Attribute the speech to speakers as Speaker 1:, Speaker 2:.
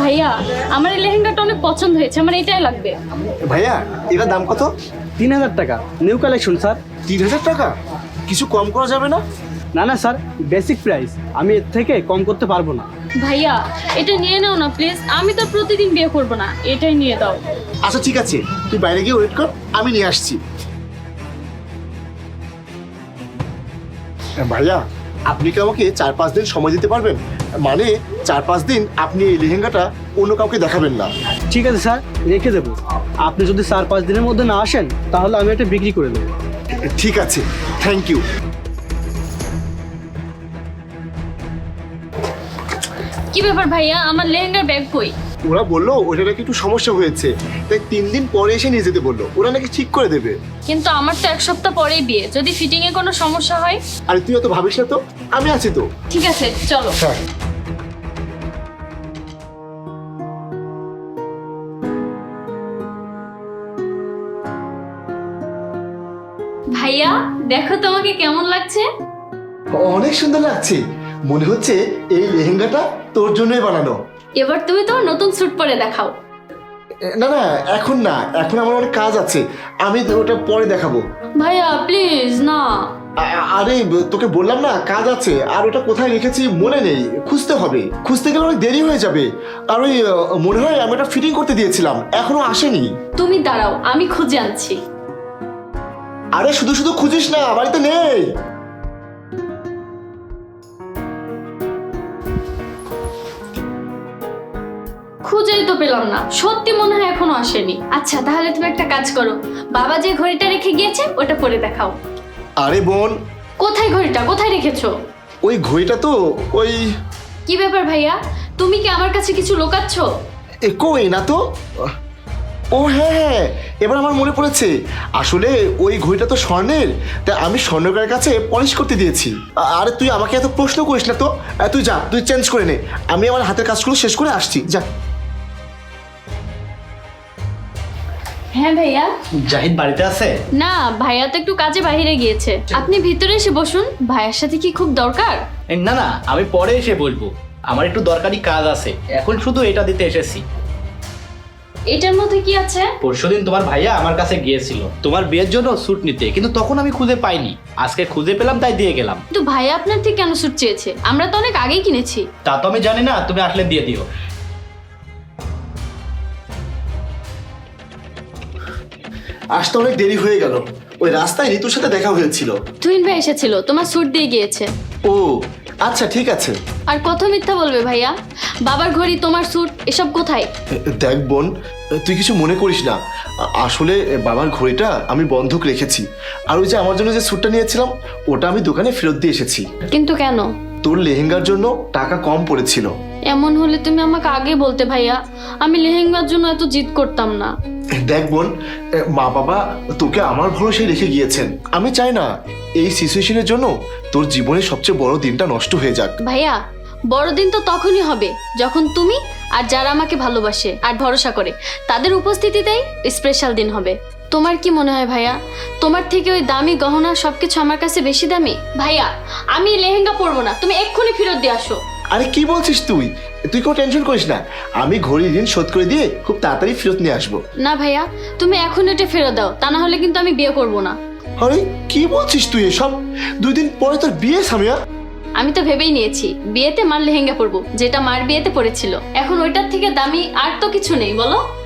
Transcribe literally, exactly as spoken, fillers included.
Speaker 1: ভাইয়া আমার এই লেহেঙ্গাটা অনেক পছন্দ হয়েছে, আমার এটাই লাগবে।
Speaker 2: ভাইয়া এটার দাম কত?
Speaker 3: তিন হাজার টাকা, নিউ কালেকশন স্যার।
Speaker 2: তিন হাজার টাকা? কিছু কম করা যাবে না?
Speaker 3: না না স্যার, বেসিক প্রাইস, আমি এর থেকে কম করতে পারবো না।
Speaker 1: ভাইয়া এটা নিয়ে নাও না প্লিজ, আমি তো প্রতিদিন বিয়ে করব না, এটাই নিয়ে দাও।
Speaker 2: আচ্ছা ঠিক আছে, তুই বাইরে গিয়ে ওয়েট কর, আমি নিয়ে আসছি। ভাইয়া আপনি কি আমাকে চার পাঁচ দিন সময় দিতে পারবেন? মানে চার পাঁচ দিন আপনি এই লেহেঙ্গাটা অন্য কাউকে দেখাবেন না।
Speaker 3: ঠিক আছে স্যার, রেখে দেবো। আপনি যদি চার পাঁচ দিনের মধ্যে না আসেন তাহলে আমি এটা বিক্রি করে দেবো।
Speaker 2: ঠিক আছে, থ্যাংক ইউ।
Speaker 1: কি ব্যাপার ভাইয়া, আমার লেহেঙ্গার ব্যাগ কই?
Speaker 2: ওরা বললো ওটা নাকি একটু সমস্যা হয়েছে, তাই তিন দিন পরে এসে নিয়ে যেতে বললো। ওরা নাকি ঠিক করে দেবে।
Speaker 1: কিন্তু আমার তো এক সপ্তাহ পরেই বিয়ে, যদি ফিটিং এ কোনো সমস্যা হয়?
Speaker 2: আরে তুই অত ভাবিস না তো, আমি আছি তো।
Speaker 1: ঠিক আছে চলো।
Speaker 2: হ্যাঁ
Speaker 1: ভাইয়া দেখো তোমাকে কেমন লাগছে?
Speaker 2: অনেক সুন্দর লাগছে, মনে হচ্ছে এই লেহেঙ্গাটা তোর জন্যই বানানো।
Speaker 1: এবার তুমি তোমার নতুন স্যুট পরে দেখাও।
Speaker 2: না না এখন না, এখন আমার অনেক কাজ আছে, আমি ওটা পরে দেখাবো।
Speaker 1: ভাইয়া প্লিজ না।
Speaker 2: আ- আরে তোকে বললাম না কাজ আছে, আর ওটা কোথায় রেখেছি মনে নেই, খুঁজতে হবে। খুঁজতে গেলে অনেক দেরি হয়ে যাবে। আর ওই আহ, মনে হয় আমি ওটা ফিটিং করতে দিয়েছিলাম, এখনো আসেনি।
Speaker 1: তুমি দাঁড়াও, আমি খুঁজে আনছি।
Speaker 2: আরে শুধু শুধু খুঁজিস না, বাড়িতে নেই।
Speaker 1: খুঁজেই তো পেলাম না, সত্যি মনে হয় এখনো আসেনি। আচ্ছা তাহলে তুমি একটা কাজ করো, বাবা যে ঘড়িটা রেখে গিয়েছে ওটা পরে দেখাও।
Speaker 2: আরে বোন,
Speaker 1: কোথায় ঘড়িটা, কোথায় রেখেছো?
Speaker 2: ওই ঘড়িটা তো ওই
Speaker 1: কি ব্যাপার ভাইয়া, তুমি কি আমার কাছে কিছু লোকাচ্ছ?
Speaker 2: এ কই না তো। ও হ্যাঁ হ্যাঁ, এবার আমার মনে পড়েছে। আসলে ওই ঘড়িটা তো স্বর্ণের, তাই আমি স্বর্ণকারের কাছে পলিশ করতে দিয়েছি। আ- আরে তুই আমাকে এত প্রশ্ন করিস না তো। আ, তুই যা, তুই চেঞ্জ করে নে, আমি আমার হাতের কাজগুলো শেষ করে আসছি, যা।
Speaker 1: হ্যাঁ ভাইয়া।
Speaker 4: জাহিদ বাড়িতে আছে?
Speaker 1: না ভাইয়া তো একটু কাজে বাইরে গিয়েছে, আপনি ভিতরে এসে বসুন। ভাইয়ার সাথে কি খুব দরকার?
Speaker 4: এই, না না, আমি পরে এসে বলবো, আমার একটু দরকারি কাজ আছে, এখন শুধু এটা দিতে এসেছি।
Speaker 1: এটার মধ্যে কি আছে?
Speaker 4: পরশুদিন তোমার ভাইয়া আমার কাছে গিয়েছিল তোমার বিয়ের জন্য স্যুট নিতে, কিন্তু তখন আমি খুঁজে পাইনি, আজকে খুঁজে পেলাম তাই দিয়ে গেলাম।
Speaker 1: কিন্তু ভাইয়া আপনার থেকে কেন স্যুট চেয়েছে? আমরা তো অনেক আগেই কিনেছি।
Speaker 4: তা তো আমি জানি না, তুমি আসলে দিয়ে দিও।
Speaker 2: আসতে অনেক দেরি হয়ে গেল, ওই রাস্তায় ঋতুর সাথে দেখা হয়েছিল।
Speaker 1: তুহিন ভাই এসেছিল, তোমার স্যুট দিয়ে গিয়েছে।
Speaker 2: ও আচ্ছা ঠিক আছে।
Speaker 1: আর কত মিথ্যা বলবে ভাইয়া? বাবার ঘড়ি, তোমার স্যুট, এসব কোথায়?
Speaker 2: দেখ বোন, তুই কিছু মনে করিস না, আ- আসলে বাবার ঘড়িটা আমি বন্ধক রেখেছি। আর ওই যে আমার জন্য যে স্যুটটা নিয়েছিলাম ওটা আমি দোকানে ফেরত দিয়ে এসেছি।
Speaker 1: কিন্তু কেন?
Speaker 2: তোর লেহেঙ্গার জন্য টাকা কম পড়েছিল।
Speaker 1: এমন হলে তুমি আমাকে আগে বলতে ভাইয়া, আমি লেহেঙ্গার জন্য এত জিদ করতাম না।
Speaker 2: দেখ বোন, মা বাবা তোকে আমার ভরসায় রেখে গিয়েছেন, আমি চাই না এই সিচুয়েশনের জন্য তোর জীবনের সবচেয়ে বড় দিনটা নষ্ট হয়ে যাক।
Speaker 1: ভাইয়া বড়দিন তো তখনই হবে যখন তুমি আর যারা আমাকে ভালোবাসে আর ভরসা করে তাদের উপস্থিতিতেই স্পেশাল দিন হবে। তোমার কি মনে হয় ভাইয়া, তোমার থেকে ওই দামি গহনা সবকিছু আমার কাছে বেশি দামি? ভাইয়া আমি লেহেঙ্গা পরবো না, তুমি এক্ষুনি ফেরত দিয়ে আসো।
Speaker 2: আরে কি বলছিস তুই? তুই কোনো টেনশন করিস না, আমি ঘড়ির ঋণ শোধ করে দিয়ে খুব তাড়াতাড়ি ফেরত নিয়ে আসবো।
Speaker 1: না ভাইয়া তুমি এখন এটা ফেরত দাও, তা না হলে কিন্তু আমি বিয়ে করবো না।
Speaker 2: আরে কি বলছিস তুই এসব? দুই দিন পরে তোর বিয়ে সামিয়া।
Speaker 1: আমি তো ভেবেই নিয়েছি বিয়েতে মার লেহেঙ্গা পরবো, যেটা মার বিয়েতে পরেছিল। এখন ওইটার থেকে দামি আর তো কিছু নেই, বলো।